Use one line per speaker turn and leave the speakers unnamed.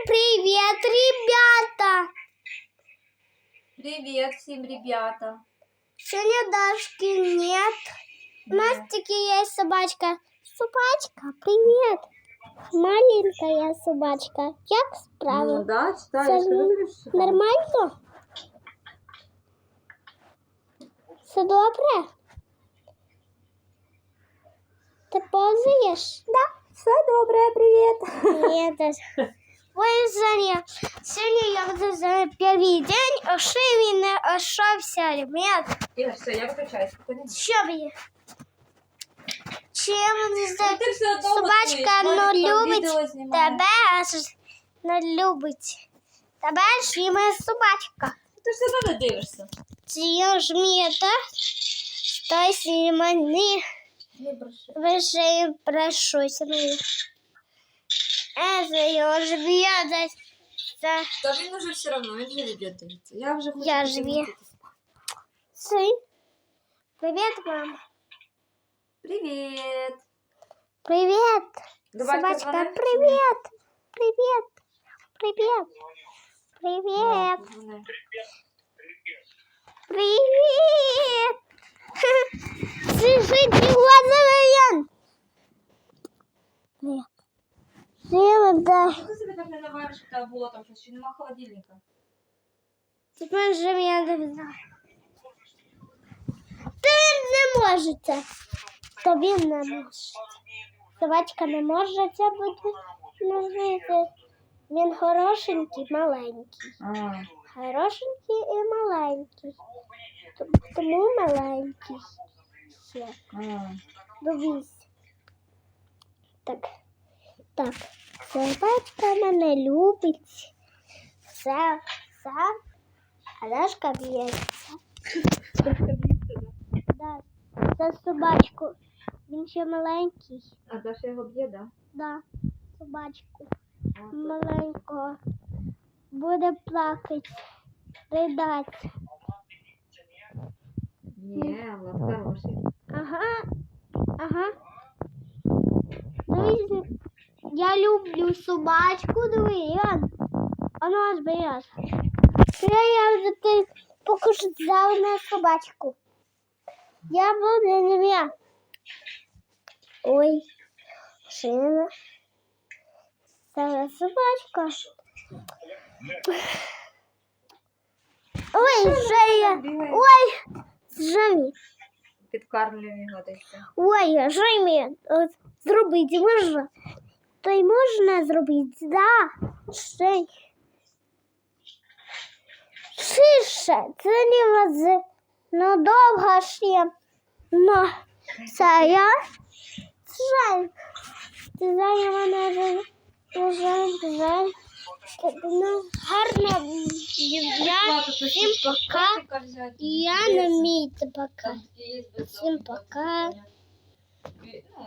привет, ребята!
Привет всем, ребята!
Сегодня Дашки нет. У Настики есть собачка. Собачка, привет! Маленькая собачка. Как справа?
Ну да,
Це
читаешь.
нормально? Все добре? Ти повзаєш?
Да, все добре, привет.
Привет. Ой, Женя, сегодня я буду за первый день, а що він не ошовся, ребят.
Ігор, все, я виключаюсь. спокійно.
Що ви? Чим
Ти все одно
собачка
готуєш,
не
Валік там
любить
відео знімає.
тебе, аж не любить тебе, ж і моя собачка.
Ти ж все одно не дивишся.
Чи ж мені так? Хтось і мені
Не бреши.
вже прощуся мені. Я ж б'є.
Та він уже все одно, він же відео дивиться. Я вже хочу.
Я ж
піти.
Сын. Привет, мам.
Привіт.
Привет.
Давай,
Собачка,
позвони.
привет. Привет. Привет. Привет.
Позвони.
Привет. Слушай, ты глаза. Привет. Привет, да.
Чого ти себе так не навариш, що там було там щось, що нема холодильника?
Теперь же меня довязали. Та він не можете. То він не може. Собачка не може це бути нажити. Він хорошенький, маленький. Хорошенький і маленький. Тому маленький. Ще. Дивись. Так. Так. Собачка мене любить. Все. А Дашка б'ється. Да. Це собачку. Він ще маленький.
А Даша його б'є, да?
Да. Собачку. Маленького. Буде плакати. Ридати.
Ні, Влад хороший.
Ага. Дивись, я люблю собачку, дивись. А ну аж береш. Я вже ти покушав на собачку. Я буду не я. Ой, шина. Це собачка. Ой, Женя. Ой, Женя.
Підкармлюємо його десь.
Ой, Женя, зробити можна? То й можна зробити, да? Женя. Шише, це не вози. Ну, довго ще. Ну, це я. Жаль. Ти знає мене жаль. Ну, гарно. Я всім пока. Я на місці пока. Всім пока.